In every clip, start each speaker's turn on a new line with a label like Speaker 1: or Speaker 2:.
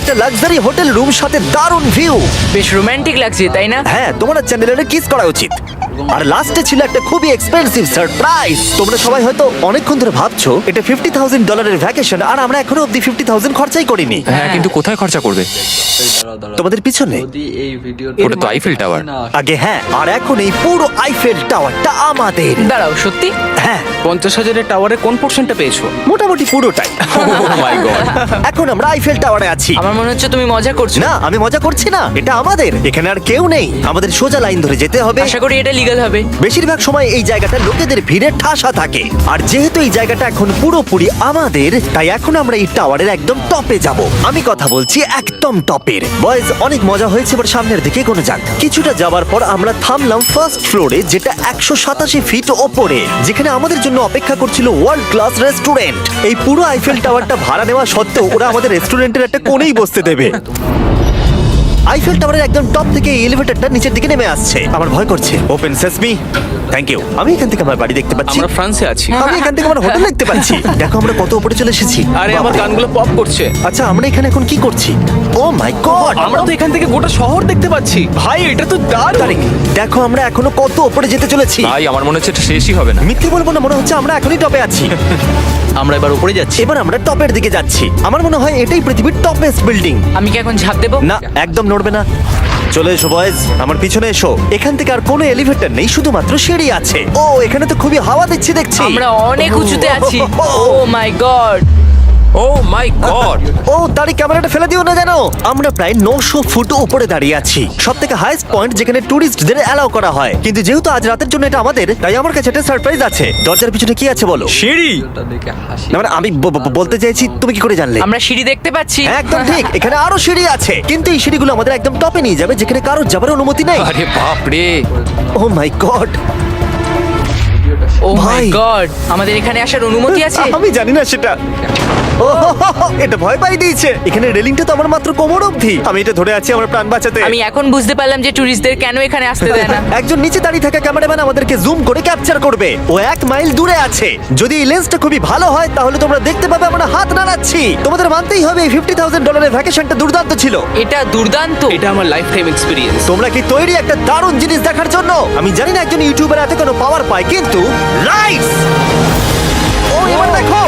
Speaker 1: একটা luxury hotel room সাথে দারুণ ভিউ।
Speaker 2: বেশ রোমান্টিক লাগছে তাই না?
Speaker 1: হ্যাঁ, তোমার চ্যানেলের কিস করা উচিত। আর লাস্টে ছিল একটা খুবই এক্সপেন্সিভ সারপ্রাইজ। তোমরা সবাই হয়তো অনেকক্ষণ ধরে ভাবছো এটা $50,000 ভ্যাকেশন, আর আমরা এখনো অব্দি 50,000 খরচাই করিনি।
Speaker 3: হ্যাঁ, কিন্তু কোথায় খরচা করবে?
Speaker 1: তোমাদের পিছনে
Speaker 4: যদি এই ভিডিও
Speaker 3: ওটা তো আইফেল টাওয়ার।
Speaker 1: আগে হ্যাঁ, আর এখন এই পুরো আইফেল টাওয়ারটা আমাদের।
Speaker 2: দাঁড়াও, সত্যি?
Speaker 1: হ্যাঁ,
Speaker 5: 50,000-এর টাওয়ারের কোন পোর্শনটা পেয়েছো?
Speaker 1: মোটামুটি পুরোটাই।
Speaker 3: Oh my God!
Speaker 1: এখন আমরা আইফেল টাওয়ারে আছি।
Speaker 2: আমার মনে হচ্ছে তুমি মজা করছো।
Speaker 1: না, আমি মজা করছি না, এটা আমাদের। এখানে আর কেউ নেই, আমাদের সোজা লাইন ধরে যেতে হবে।
Speaker 2: আশা করি এটা লিগ্যাল হবে।
Speaker 1: বেশিরভাগ সময় এই জায়গাটা লোকেদের ভিড়ে ঠাসা থাকে, আর যেহেতু এই জায়গাটা এখন পুরোপুরি আমাদের, তাই এখন আমরা এই টাওয়ারের একদম টপে যাব। আমি কথা বলছি একদম টপের। বয়েজ, অনেক মজা হয়েছে, এবার সামনের দিকে কোনো যাক। কিছুটা যাওয়ার পর আমরা থামলাম ফার্স্ট ফ্লোরে, যেটা 187 ফিট ওপরে, যেখানে আমাদের জন্য অপেক্ষা করছিল ওয়ার্ল্ড ক্লাস রেস্টুরেন্ট। এই পুরো আইফেল টাওয়ারটা ভাড়া নেওয়া সত্ত্বেও ওরা আমাদের রেস্টুরেন্টের একটা কোণেই বসতে দেবে। আইফেল টাওয়ারের একদম টপ থেকে এই এলিভেটরটা নিচের দিকে নেমে আসছে। আমার ভয় করছে। Open sesame. Thank you. আমি এখান থেকে আমার বাড়ি দেখতে পাচ্ছি।
Speaker 5: আমরা ফ্রান্সে আছি।
Speaker 1: আমি এখান থেকে আমার হোটেল দেখতে পাচ্ছি। দেখো আমরা কত উপরে চলে এসেছি।
Speaker 5: আরে আমার গানগুলো পপ করছে।
Speaker 1: আচ্ছা, আমরা এখানে এখন কি করছি? ও মাই গড,
Speaker 5: আমরা তো এখান থেকে গোটা শহর দেখতে পাচ্ছি। ভাই, এটা তো দারুণ।
Speaker 1: দেখো আমরা এখনো কত উপরে যেতে চলেছি।
Speaker 3: ভাই, আমার মনে হচ্ছে এটা শেষই হবে না।
Speaker 1: মিথ্যে বলবো না, মনে হচ্ছে আমরা এখনই টপে আছি।
Speaker 5: আমরা এবার উপরে যাচ্ছি।
Speaker 1: এবার আমরা টপের দিকে যাচ্ছি। আমার মনে হয় এটাই পৃথিবীর টপেস্ট বিল্ডিং।
Speaker 2: আমি কি এখন ঝাঁপ দেবো?
Speaker 1: না, একদম নড়বে না। চলে এসো বয়েজ, আমার পিছনে এসো। এখান থেকে আর কোনো এলিভেটর নেই, শুধুমাত্র সিঁড়ি আছে। ও, এখানে তো খুবই হাওয়া দিচ্ছি দেখছি।
Speaker 2: আমরা অনেক উঁচুতে আছি। ও my god!
Speaker 3: O my god!
Speaker 1: ও, দাঁড়ি, ক্যামেরাটা ফেলে দিও না যেন। আমরা প্রায় 900 ফুট উপরে দাঁড়িয়ে আছি, সব থেকে হাইস্ট পয়েন্ট যেখানে টুরিস্টদের অ্যালাউ করা হয়। কিন্তু যেহেতু আজ রাতের জন্য এটা আমাদের, তাই আমার কাছে একটা সারপ্রাইজ আছে। দরজার পিছনে কি আছে বলো?
Speaker 3: সিঁড়ি!
Speaker 4: দেখে হাসি
Speaker 1: না, মানে আমি বলতে চাইছি, তুমি কি করে জানলে?
Speaker 2: আমরা সিঁড়ি দেখতে পাচ্ছি।
Speaker 1: হ্যাঁ, একদম ঠিক, এখানে আরো সিঁড়ি আছে, কিন্তু এই সিঁড়িগুলো আমাদের একদম টপে নিয়ে যাবে, যেখানে কারোর যাবার অনুমতি নেই।
Speaker 3: আরে বাপ রে!
Speaker 1: ও মাই গড,
Speaker 2: ও মাই
Speaker 1: ভাই।
Speaker 2: গড! আমাদের এখানে আসার অনুমতি আছে?
Speaker 1: আমি জানি না সেটা। ও, এটা ভয় পাই দিয়েছে। এখানে রেলিংটা তো আমার মাত্র কোমর অবধি। আমি এটা ধরে আছি আমার প্রাণ বাঁচাতে।
Speaker 2: আমি এখন বুঝতে পারলাম যে ট্যুরিস্টদের কেন এখানে আসতে দেয় না।
Speaker 1: একজন নিচে দাঁড়িয়ে থাকা ক্যামেরাম্যান আমাদেরকে জুম করে ক্যাপচার করবে। ও 1 মাইল দূরে আছে। যদি এই লেন্সটা খুবই ভালো হয় তাহলে তোমরা দেখতে পাবে আমরা হাত নাড়াচ্ছি। তোমাদের মানতেই হবে এই $50,000 ভ্যাকেশনটা দুর্দান্ত ছিল।
Speaker 2: এটা দুর্দান্ত।
Speaker 5: এটা আমার লাইফ টাইম এক্সপেরিয়েন্স।
Speaker 1: তোমরা কি তৈরি একটা দারুণ জিনিস দেখার জন্য? আমি জানি না একজন ইউটিউবার এত কোনো পাওয়ার পায়, কিন্তু লাইটস! ও, এবার দেখো,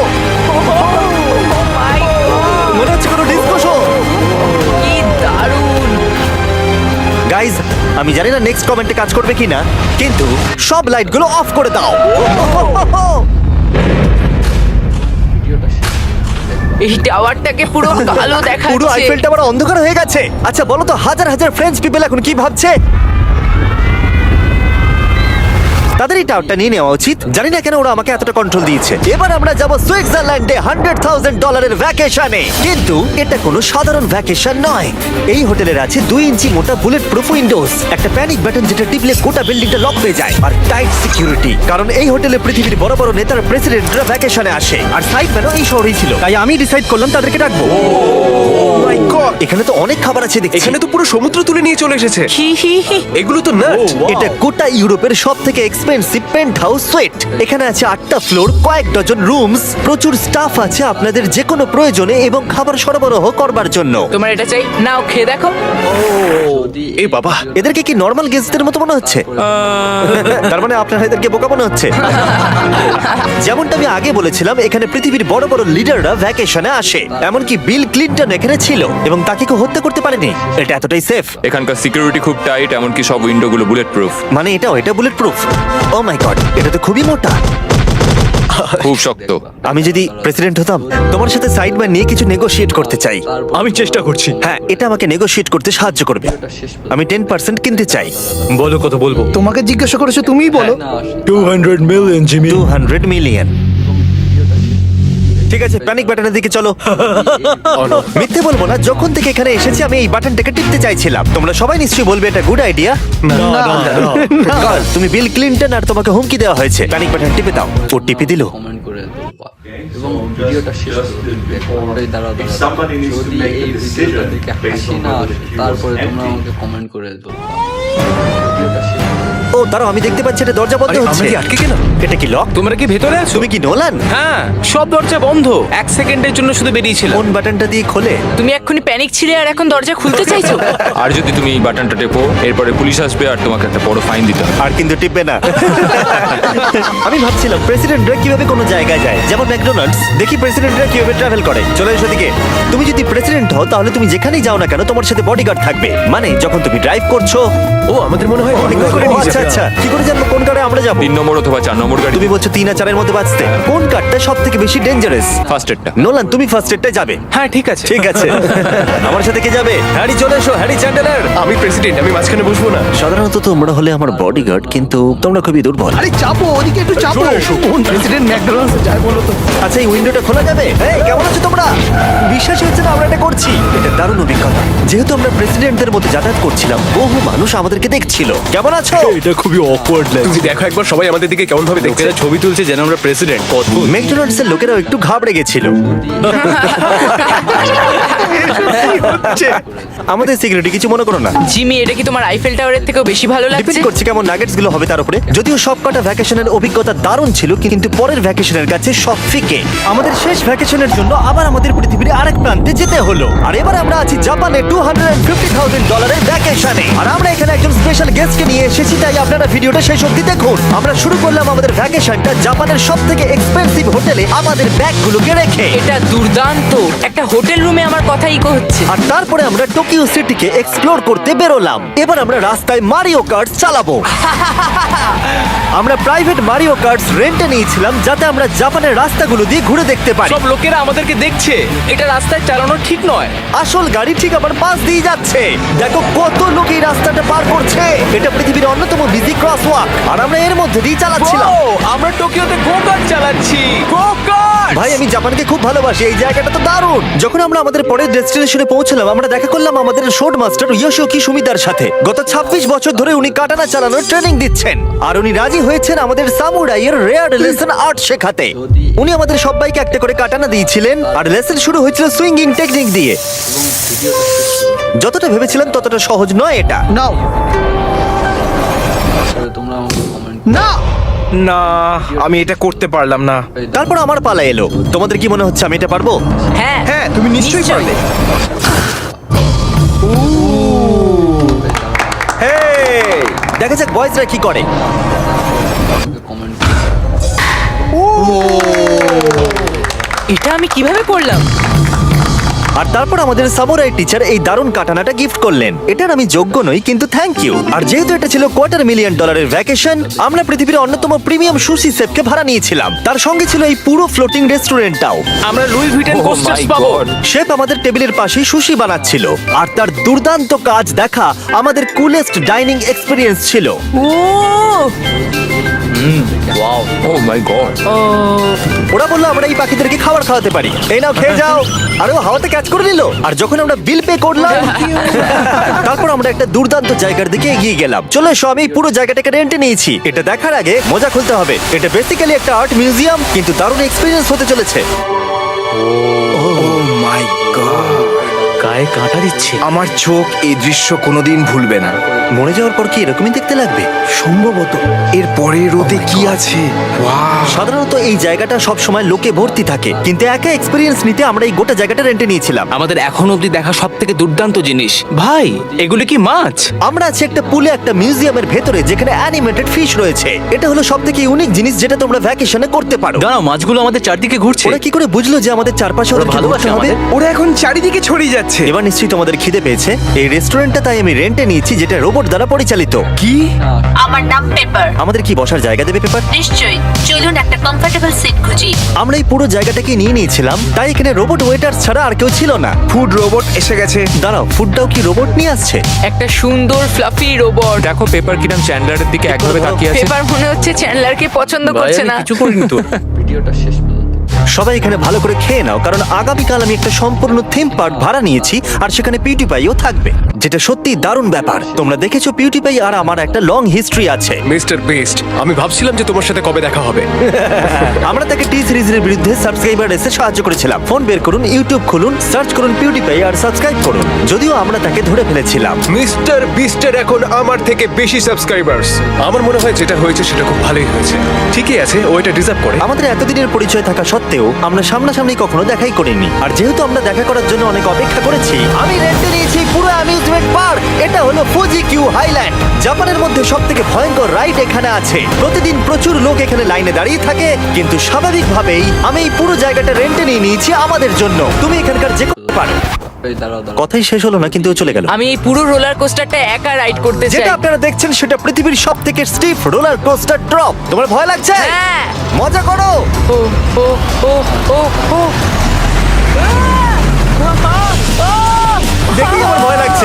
Speaker 1: মনে হচ্ছে কোনো ডিসকো শো।
Speaker 2: কি দারুণ!
Speaker 1: গাইজ, আমি জানি না নেক্সট কমেন্টে কাজ করবে কিনা, কিন্তু সব লাইটগুলো অফ করে দাও।
Speaker 2: এই টাওয়ারটাকে পুরো কালো
Speaker 1: পুরো
Speaker 2: দেখাচ্ছে।
Speaker 1: আইফেল টাওয়ার অন্ধকার হয়ে গেছে। আচ্ছা বলো তো, হাজার হাজার ফ্রেঞ্চ পিপল এখন কি ভাবছে? তাদের এই টাওয়ারটা নিয়ে নেওয়া উচিত। জানি না কেন ওরা আমাকে এতটা কন্ট্রোল দিয়েছে। এবার আমরা যাব সুইজারল্যান্ডে $100,000 ভ্যাকেশনে। কিন্তু এটা কোনো সাধারণ ভ্যাকেশন নয়। এই হোটেলের আছে 2 ইঞ্চি মোটা বুলেট প্রুফ উইন্ডোজ, একটা প্যানিক বাটন যেটা টিপলে গোটা বিল্ডিংটা লক হয়ে যায়, আর টাইট সিকিউরিটি। কারণ এই হোটেলে পৃথিবীর বড় বড় নেতার প্রেসিডেন্টরা ভ্যাকেশনে আসে, আর সাইডম্যানও এই শহরেই ছিল। তাই আমি ডিসাইড করলাম তাদেরকে ডাকবো। মাই গড, এখানে তো অনেক খাবার আছে দেখছি।
Speaker 5: এখানে তো পুরো সমুদ্র তুলে নিয়ে চলে এসেছে।
Speaker 2: হি হি হি।
Speaker 5: এগুলো তো নাট।
Speaker 1: এটা গোটা ইউরোপের সব থেকে এক্সপেন্সিভ পেন্ট হাউস সুইট। এখানে আছে 8টা ফ্লোর, কয়েক ডজন রুমস, প্রচুর স্টাফ আছে আপনাদের যে কোনো প্রয়োজনে এবং খাবার সরবরাহ করবার জন্য।
Speaker 2: তোমার এটা চাই? নাও, খেয়ে দেখো।
Speaker 5: এ বাবা,
Speaker 1: এদেরকে কি নর্মাল গেস্টদের মতো মনে হচ্ছে? তার মানে আপনারা এদেরকে বোকা মনে হচ্ছে। যেমনটা আমি আগে বলেছিলাম, এখানে পৃথিবীর বড় বড় লিডাররা ভ্যাকেশনে আসে। এমনকি বিল ক্লিনটন এখানে ছিল এবং তাকে কেউ হত্যা করতে পারেনি। এটা এতটাই সেফ।
Speaker 3: এখানকার সিকিউরিটি খুব টাইট, এমনকি সব উইন্ডোগুলো বুলেট প্রুফ।
Speaker 1: মানে এটা bullet proof. Oh my God, এটা তো খুবই মোটা।
Speaker 3: খুব শক্ত।
Speaker 1: আমি যদি প্রেসিডেন্ট হতাম, তোমার সাথে সাইড বাই নিয়ে কিছু নেগোশিয়েট করতে চাই।
Speaker 5: আমি চেষ্টা করছি।
Speaker 1: হ্যাঁ, এটা আমাকে নেগোশিয়েট করতে সাহায্য করবে। আমি 10% কিনতে চাই।
Speaker 5: বলো কত বলবো?
Speaker 6: তোমাকে জিজ্ঞাসা করেছো, তুমিই বলো।
Speaker 4: না
Speaker 6: 200 মিলিয়ন, জিমি।
Speaker 1: 200 মিলিয়ন। ঠিক আছে, প্যানিক বাটনের দিকে চলো। মিথ্যে বলবো না, যখন থেকে এখানে এসেছি আমি এই বাটনটাকে টিপতে চাইছিলাম। তোমরা সবাই নিশ্চয়ই বলবে এটা গুড আইডিয়া। তুমি বিল ক্লিনটন আর তোমাকে হুমকি দেওয়া হয়েছে। প্যানিক বাটন টিপে দাও। ও টিপে দিল।
Speaker 4: কমেন্ট করে দেবো এবং ভিডিওটা শেষ করে দাঁড়াও যদি এই ভিডিওটা দেখে হাসি না আসে তারপরে তোমরা আমাকে কমেন্ট করে দেবো। ভিডিওটা শেষ
Speaker 1: ও দাঁড়াও, আমি দেখতে পাচ্ছি এটা দরজা বন্ধ
Speaker 5: আরে,
Speaker 1: হচ্ছে।
Speaker 5: আমরা কি আটকে গেলাম?
Speaker 1: এটা কি লক?
Speaker 5: তোমরা কি ভেতরে আছো?
Speaker 1: তুমি কি নোলান?
Speaker 5: হ্যাঁ, সব দরজা বন্ধ। 1 সেকেন্ডের জন্য শুধু বেরিয়েছিলাম।
Speaker 1: কোন বাটনটা দিয়ে খোলে?
Speaker 2: তুমি এক্ষুনি প্যানিক ছিলে আর এখন দরজা খুলতে চাইছো?
Speaker 3: আর যদি তুমি এই বাটনটা টেপো এরপরে পুলিশ আসবে আর তোমাকে একটা বড় ফাইন দিতে হবে।
Speaker 1: আর কিন্তু টিপবে না। আমি ভাবছিলাম প্রেসিডেন্টরা কিভাবে কোনো জায়গায় যায়, যেমন ম্যাকডোনাল্ডস। দেখি প্রেসিডেন্টরা কিভাবে ট্রাভেল করে। চলে এসো দিকে। তুমি যদি প্রেসিডেন্ট হও তাহলে তুমি যেখানেই যাও না কেন তোমার সাথে বডিগার্ড থাকবে। মানে যখন তুমি ড্রাইভ করছো।
Speaker 5: ও, আমাদের মনে হয় অনেক করে
Speaker 1: ও,
Speaker 5: নিয়ে
Speaker 1: আচ্ছা
Speaker 5: যাবে।
Speaker 1: আচ্ছা, কি করে জানবো কোন কারে আমরা যাবো?
Speaker 3: 3 নম্বর অথবা 4 নম্বর গাড়ি।
Speaker 1: তুমি বলছো 3 আর 4 এর মধ্যে বাঁচতে। কোন কারটা সব থেকে বেশি ডেঞ্জারাস?
Speaker 3: ফার্স্ট এডটা।
Speaker 1: নোলান, তুমি ফার্স্ট এডটাই যাবে।
Speaker 5: হ্যাঁ, ঠিক আছে।
Speaker 1: ঠিক আছে। আমার সাথে কে যাবে?
Speaker 5: হ্যারি, চলে এসো। Harry Chandler. আমি প্রেসিডেন্ট, আমি মাঝখানে বসবো না।
Speaker 1: সাধারণত তোমরা হলে আমার বডিগার্ড, কিন্তু তোমরা খুবই দুর্বল।
Speaker 6: আরে চাপো, ওদিকে একটু চাপো। কোন প্রেসিডেন্ট ম্যাকডোনাল্ডস যায় বলো তো?
Speaker 1: আচ্ছা, এই উইন্ডোটা খোলা যাবে? এই, কেমন আছো তোমরা? বিশ্বাস হচ্ছে না আমরা এটা করছি। এটা দারুণ অভিজ্ঞতা। যেহেতু আমরা প্রেসিডেন্টদের মধ্যে যাতায়াত করছিলাম, বহু মানুষ আমাদেরকে দেখছিল। কেমন আছো?
Speaker 6: এটা খুবই অকওয়ার্ড
Speaker 5: তুমি
Speaker 6: লাগছে।
Speaker 5: দেখো একবার, সবাই আমাদের দিকে কেমন ভাবে দেখছে। ছবি তুলছে যেন আমরা প্রেসিডেন্ট। অদ্ভুত।
Speaker 1: ম্যাকডোনাল্ডস এর লোকেরাও একটু ঘাবড়ে গেছিল। আমাদের সিকিউরিটি কিছু মনে করো না।
Speaker 2: জিমি, এটা কি তোমার আইফেল টাওয়ারের থেকেও বেশি ভালো
Speaker 1: ডিপেন্ড
Speaker 2: লাগছে?
Speaker 1: করছে কেমন নাগেটস গুলো হবে তার উপরে। যদিও সবকটা ভ্যাকেশনের অভিজ্ঞতা দারুণ ছিল, কিন্তু পরের ভ্যাকেশনের কাছে সব ফিকে। আমাদের শেষ ভ্যাকেশনের জন্য আবার আমাদের পৃথিবীর আরেক প্রান্তে যেতে হলো। আর এবার আমরা আছি জাপানে $250,000 ভ্যাকেশনে। আর আমরা এখানে একজন স্পেশাল গেস্টকে নিয়ে এসেছি, তাই আপনারা ভিডিওটা শেষ অবধি দেখুন। আমরা শুরু করলাম আমাদের ভ্যাকেশনটা জাপানের সবথেকে এক্সপেন্সিভ হোটেলে আমাদের ব্যাগগুলোকে রেখে।
Speaker 2: এটা দুর্দান্ত। একটা হোটেল রুমে আমার কথা ইকো হচ্ছে।
Speaker 1: আর তারপরে আমরা টোকিও সিটিকে এক্সপ্লোর করতে বেরোলাম। এবার আমরা রাস্তায় মারিও কার্ট চালাবো। আমরা প্রাইভেট মারিও কার্টস রেন্টে নিয়েছিলাম যাতে আমরা জাপানের রাস্তাগুলো দিয়ে ঘুরে দেখতে পারি।
Speaker 5: সব লোকেরা আমাদেরকে দেখছে। এটা রাস্তায় চালানো ঠিক নয়।
Speaker 1: আসল গাড়ি ঠিক আমার পাশ দিয়ে যাচ্ছে। দেখো কত লোক এই রাস্তাটা পার করছে। এটা পৃথিবীর অন্যতম বিজি ক্রসওয়াক, আর আমরা এর মধ্যে দিয়ে চালাচ্ছিলাম।
Speaker 5: ও, আমরা টোকিওতে গো কার্ট চালাচ্ছি। Go kart.
Speaker 1: ভাই, আমি জাপানকে খুব ভালোবাসি। এই জায়গাটা তো দারুণ। যখন আমরা আমাদের পরের ডেস্টিনেশনে পৌঁছলাম, আমরা দেখা করলাম আমাদের শোট মাস্টার ইয়োশিওকি সুমিদার সাথে। গত 26 বছর ধরে উনি কাটানা চালানোর ট্রেনিং দিচ্ছেন, আর উনি রাজি হয়েছেন আমাদের সামুরাইয়ের রেয়ার লেসন আর্ট শেখাতে। উনি আমাদের সবাইকে একটা করে কাটানা দিয়েছিলেন, আর লেসন শুরু হয়েছিল সুইঙ্গিং টেকনিক দিয়ে। যতটা ভেবেছিলাম ততটা সহজ নয় এটা।
Speaker 6: নাও
Speaker 4: তোমরা আমাকে কমেন্ট
Speaker 6: না,
Speaker 5: না, আমি এটা করতে পারলাম না।
Speaker 1: তারপর আমার পালা এলো। তোমাদের কি মনে হচ্ছে আমি এটা পারবো?
Speaker 2: হ্যাঁ
Speaker 5: হ্যাঁ, তুমি নিশ্চয়ই পারবে। হেই,
Speaker 1: দেখা যাক বয়েজরা কি করে।
Speaker 4: কমেন্ট
Speaker 2: এটা আমি কিভাবে করলাম?
Speaker 1: আর তারপর আমাদের সামুরাই টিচার এই দারুণ কাটানাটা গিফট করলেন। এটার আমি যোগ্য নই, কিন্তু থ্যাংক ইউ। আর যেহেতু এটা ছিল $250,000 ভ্যাকেশন, আমরা পৃথিবীর অন্যতম প্রিমিয়াম সুশি শেফকে ভাড়া নিয়েছিলাম। তার সঙ্গে ছিল এই পুরো ফ্লোটিং রেস্টুরেন্টটাও।
Speaker 5: আমরা Louis Vuitton
Speaker 3: Oh
Speaker 5: coasters
Speaker 3: my
Speaker 5: পাবো।
Speaker 3: God!
Speaker 1: শেফ আমাদের টেবিলের পাশেই সুশি বানাচ্ছিল, আর তার দুর্দান্ত কাজ দেখা আমাদের কুলেস্ট ডাইনিং এক্সপিরিয়েন্স ছিল।
Speaker 2: Oh
Speaker 3: wow, oh my God.
Speaker 1: ওরা বললো আমরা এই পাখিদেরকে খাবার খাওয়াতে পারি। এই নাও, খেয়ে যাও। আর ও হাওয়াতে ক্যাচ করে নিল। আর যখন আমরা বিল পে করলাম, তারপর আমরা একটা দুর্দান্ত জায়গার দিকে এগিয়ে গেলাম। চলো এসো, আমি এই পুরো জায়গাটাকে রেন্টে নিয়েছি। এটা দেখার আগে মজা খুলতে হবে। এটা বেসিক্যালি একটা আর্ট মিউজিয়াম, কিন্তু দারুণ এক্সপিরিয়েন্স হতে চলেছে।
Speaker 5: ও মাই গড, গায়ে কাঁটা দিচ্ছে। আমার চোখ এই দৃশ্য কোনোদিন ভুলবে না।
Speaker 1: মরে যাওয়ার পর কি এরকমই দেখতে লাগবে?
Speaker 6: সম্ভবত।
Speaker 5: এর পরে রোদে কি আছে? ওয়াও,
Speaker 1: সাধারণত এই জায়গাটা সব সময় লোকে ভর্তি থাকে, কিন্তু একা এক্সপিরিয়েন্স নিতে আমরা এই গোটা জায়গাটা রেন্টে নিয়েছিলাম।
Speaker 5: আমাদের এখন অবধি দেখা সব থেকে দুর্দান্ত জিনিস। ভাই, এগুলো কি মাছ?
Speaker 1: আমরা আছি একটা পুলে, একটা মিউজিয়ামের ভেতরে, যেখানে অ্যানিমেটেড ফিশ রয়েছে। এটা হলো সবথেকে ইউনিক জিনিস যেটা তোমরা ভ্যাকেশনে করতে পারো।
Speaker 5: দাঁড়াও, মাছগুলো আমাদের চারদিকে ঘুরছে।
Speaker 1: ওরা কি করে বুঝলো যে আমাদের চারপাশে ওদেরকে
Speaker 5: ভালোবাসে
Speaker 1: ঘুরতে হবে?
Speaker 5: আমাদের। ওরা এখন চারিদিকে ছড়িয়ে যাচ্ছে।
Speaker 1: এবার নিশ্চয়ই তোমাদের খিদে পেয়েছে। এই রেস্টুরেন্টটা তাই আমি রেন্টে নিয়েছি, যেটা রোবট দ্বারা পরিচালিত।
Speaker 5: কি?
Speaker 7: আমার নাম পেপার।
Speaker 1: আমাদের কি বসার জায়গা দেবে পেপার?
Speaker 7: নিশ্চয়ই, চলুন একটা কমফোর্টেবল সিট খুঁজি।
Speaker 1: আমরা এই পুরো জায়গাটাকে নিয়ে নিয়েছিলাম, তাই এখানে রোবট ওয়েটার ছাড়া আর কেউ ছিল না।
Speaker 5: ফুড রোবট এসে গেছে।
Speaker 1: দাঁড়াও, ফুডটাও কি রোবট নিয়ে আসছে?
Speaker 2: একটা সুন্দর ফ্লাফি রোবট।
Speaker 3: দেখো পেপার কিরাম চ্যান্ডলারের দিকে একভাবে তাকিয়ে আছে।
Speaker 2: পেপার মনে হচ্ছে চ্যান্ডলারকে পছন্দ করছে না।
Speaker 5: কিছু করিনি তো।
Speaker 4: ভিডিওটা শেষ পর্যন্ত
Speaker 1: সবাই এখানে ভালো করে খেয়ে নাও, কারণ আগামীকাল আমি একটা সম্পূর্ণ থিম পার্ক ভাড়া নিয়েছি আর সেখানে পিউটিপাইও থাকবে, যেটা সত্যি দারুণ ব্যাপার। তোমরা দেখেছো পিউটিপাই আর আমার একটা লং হিস্ট্রি আছে।
Speaker 8: মিস্টার বেস্ট, আমি ভাবছিলাম যে তোমার সাথে কবে দেখা হবে।
Speaker 1: আমরা তাকে টি সিরিজের বিরুদ্ধে সাবস্ক্রাইবার রেসে সাহায্য করেছিলাম। ফোন বের করুন, ইউটিউব খুলুন, সার্চ করুন পিউটিপাই আর সাবস্ক্রাইব করুন। যদিও আমরা তাকে ধরে ফেলেছিলাম।
Speaker 8: মিস্টার বিস্টের এখন আমার থেকে বেশি সাবস্ক্রাইবার্স। আমার মনে হয় যেটা হয়েছে সেটা খুব ভালোই হয়েছে। ঠিকই আছে, ও এটা ডিজার্ভ করে।
Speaker 1: আমাদের এতদিনের পরিচয় থাকা সত্ত্বেও আমরা সামনাসামনি কখনো দেখাই করিনি। আর যেহেতু আমরা দেখা করার জন্য অনেক অপেক্ষা করেছি, আমি রেন্টে নিয়েছি পুরো অ্যামিউজমেন্ট পার্ক। এটা হলো ফুজি কিউ হাইল্যান্ড। জাপানের মধ্যে সবথেকে ভয়ঙ্কর রাইড এখানে আছে। প্রতিদিন প্রচুর লোক এখানে লাইনে দাঁড়িয়ে থাকে, কিন্তু স্বাভাবিকভাবেই আমি এই পুরো জায়গাটা রেন্টে নিয়ে নিয়েছি আমাদের জন্য। তুমি এখানকার যে কোনো পারো।
Speaker 4: এই দাঁড়াও দাঁড়াও।
Speaker 1: কথাই শেষ হলো না, কিন্তু ও চলে গেল।
Speaker 2: আমি এই পুরো রোলার কোস্টারটা একা রাইড করতে চাই।
Speaker 1: যেটা আপনারা দেখছেন সেটা পৃথিবীর সব থেকে স্টিফ রোলার কোস্টার ড্রপ। তোমার ভয় লাগছে?
Speaker 2: হ্যাঁ।
Speaker 1: মজা করো।
Speaker 2: ও ও ও ও ও
Speaker 1: দেখি আমার ভয় লাগছে।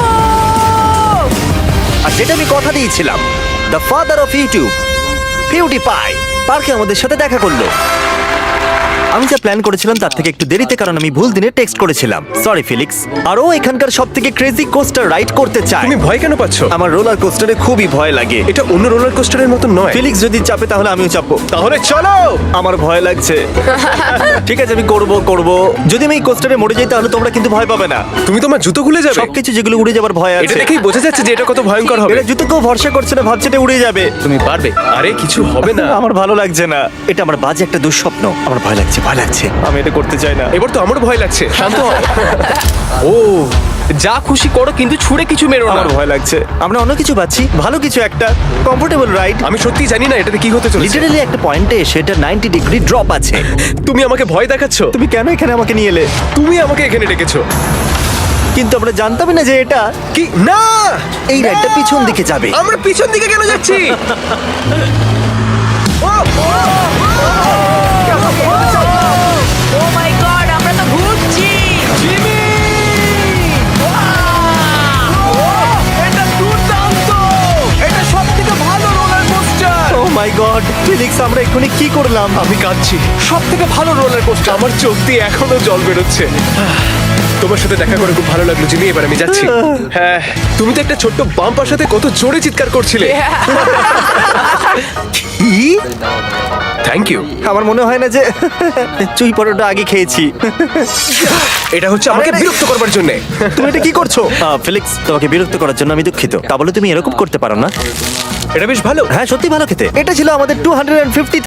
Speaker 1: আর যেটা আমি কথা দিয়েছিলাম, the father of YouTube PewDiePie পার্কে আমাদের সাথে দেখা করলো। আমি যা প্ল্যান করেছিলাম তার থেকে একটু দেরিতে, কারণ আমি ভুল দিনে টেক্সট করেছিলাম। সরি ফিলিক্স। আর ও এখানকার সব থেকে ক্রেজি কোস্টার রাইড করতে চায়।
Speaker 8: তুমি ভয় কেন পাচ্ছ?
Speaker 1: আমার রোলার কোস্টারে খুবই ভয় লাগে।
Speaker 8: এটা অন্য রোলার কোস্টারের মতো নয়।
Speaker 1: ফিলিক্স যদি চাপে তাহলে আমিও চাপবো।
Speaker 8: তাহলে চলো।
Speaker 1: আমার ভয় লাগছে। ঠিক আছে, আমি করব। যদি আমি এই কোস্টারে মরে যাই তাহলে তোমরা কিন্তু ভয় পাবে না।
Speaker 8: তুমি তোমার জুতো খুলে যাবে।
Speaker 1: সবকিছু যেগুলো উড়ে যাবার ভয়
Speaker 8: এটা
Speaker 1: আছে।
Speaker 8: দেখেই বোঝা যাচ্ছে যে এটা কত ভয়ঙ্কর হবে।
Speaker 1: এটা জুতো কেউ ভরসা করছে না, ভাবছে এটা উড়ে যাবে।
Speaker 8: তুমি পারবে। আরে কিছু হবে না।
Speaker 1: আমার ভালো লাগছে না। এটা আমার বাজে একটা দুঃস্বপ্ন। আমার ভয় লাগছে। আমি এটা করতে চাই না।
Speaker 8: এবার তো আমারও ভয় লাগছে। শান্ত হও।
Speaker 5: ও, যা খুশি করো কিন্তু ছুঁড়ে কিছু মেরো না।
Speaker 1: আমার ভয় লাগছে। আমরা অন্য কিছু পাচ্ছি, ভালো কিছু একটা কমফোর্টেবল রাইড।
Speaker 8: আমি সত্যি জানি না এটাতে কি হতে চলেছে।
Speaker 1: লিটারালি একটা পয়েন্টে এসে এটা 90 ডিগ্রি ড্রপ আছে।
Speaker 8: তুমি আমাকে ভয় দেখাচ্ছ।
Speaker 1: তুমি কেন এখানে আমাকে নিয়ে এলে?
Speaker 8: তুমি আমাকে এখানে ডেকেছো।
Speaker 1: কিন্তু আমরা জানতামই না যে এটা
Speaker 8: কি না,
Speaker 1: এই রাইডটা পিছন দিকে যাবে।
Speaker 8: আমরা পিছন দিকে কেন যাচ্ছি?
Speaker 2: ও মাই গড, আমরা তো ঘুরছি।
Speaker 1: ও মাই গড, ফিলিক্স আমরা এক্ষুনি কি করলাম?
Speaker 8: আমি কাঁদছি। সব থেকে ভালো রোলার কোস্টার। আমার চোখ দিয়ে এখনো জল বেরোচ্ছে। তোমার সাথে দেখা করে খুব ভালো লাগলো জিমি। এবার আমি যাচ্ছি। হ্যাঁ, তুমি তো একটা ছোট্ট বাম্পার সাথে কত জোরে চিৎকার করছিলে।
Speaker 1: কি?
Speaker 8: Thank you.
Speaker 1: আমার মনে হয় না যে চুই পরোটা আগে খেয়েছি।
Speaker 8: এটা হচ্ছে আমাকে
Speaker 1: আরে,
Speaker 8: বিরক্ত করবার জন্য।
Speaker 1: তুমি এটা কি করছো? ফিলিক্স, তোমাকে বিরক্ত করার জন্য আমি দুঃখিত। তা বলে তুমি এরকম করতে পারো না।
Speaker 8: এটা বেশ ভালো।
Speaker 1: হ্যাঁ, সত্যি ভালো খেতে। এটা ছিল আমাদের